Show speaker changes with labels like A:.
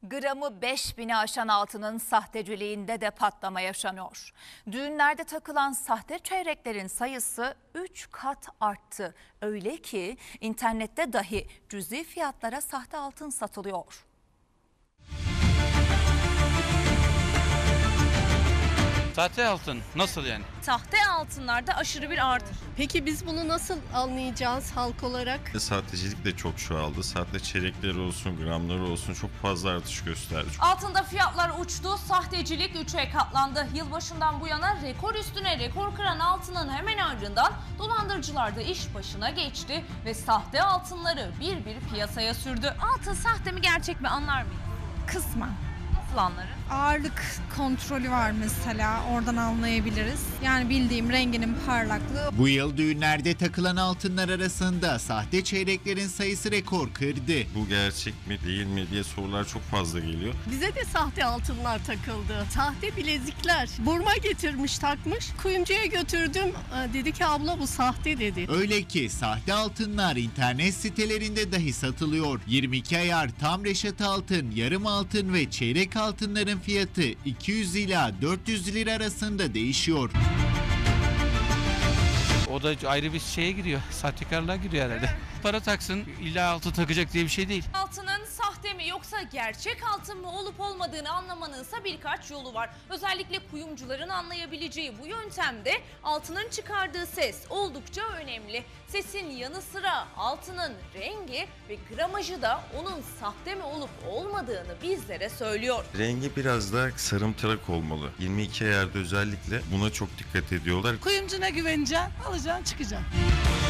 A: Gramı 5.000'i aşan altının sahteciliğinde de patlama yaşanıyor. Düğünlerde takılan sahte çeyreklerin sayısı 3 kat arttı. Öyle ki internette dahi cüzi fiyatlara sahte altın satılıyor.
B: Sahte altın nasıl yani?
C: Sahte altınlarda aşırı bir artış.
D: Peki biz bunu nasıl anlayacağız halk olarak?
E: Sahtecilik de çok çoğaldı. Sahte çeyrekleri olsun, gramları olsun çok fazla artış gösterdi.
C: Altında fiyatlar uçtu, sahtecilik 3'e katlandı. Yılbaşından bu yana rekor üstüne rekor kıran altının hemen ardından dolandırıcılar da iş başına geçti ve sahte altınları bir bir piyasaya sürdü. Altın sahte mi gerçek mi anlar mıyız?
F: Kısmen.
C: Nasıl anlarız?
F: Ağırlık kontrolü var mesela, oradan anlayabiliriz. Yani bildiğim renginin parlaklığı.
G: Bu yıl düğünlerde takılan altınlar arasında sahte çeyreklerin sayısı rekor kırdı.
E: Bu gerçek mi değil mi diye sorular çok fazla geliyor.
D: Bize de sahte altınlar takıldı. Sahte bilezikler. Burma getirmiş takmış. Kuyumcuya götürdüm. Dedi ki abla bu sahte dedi.
G: Öyle ki sahte altınlar internet sitelerinde dahi satılıyor. 22 ayar tam reşat altın, yarım altın ve çeyrek altınların fiyatı 200 ila 400 lira arasında değişiyor.
B: O da ayrı bir şeye giriyor. Sahtekarlığa giriyor herhalde. Para taksın, illa altın takacak diye bir şey değil.
C: Altının sahte mi yoksa gerçek altın mı olup olmadığını anlamanınsa birkaç yolu var. Özellikle kuyumcuların anlayabileceği bu yöntemde altının çıkardığı ses oldukça önemli. Sesin yanı sıra altının rengi ve gramajı da onun sahte mi olup olmadığını bizlere söylüyor.
E: Rengi biraz daha sarımtırak olmalı. 22 ayarda özellikle buna çok dikkat ediyorlar.
H: Kuyumcuna güveneceksin, alacaksın, çıkacaksın.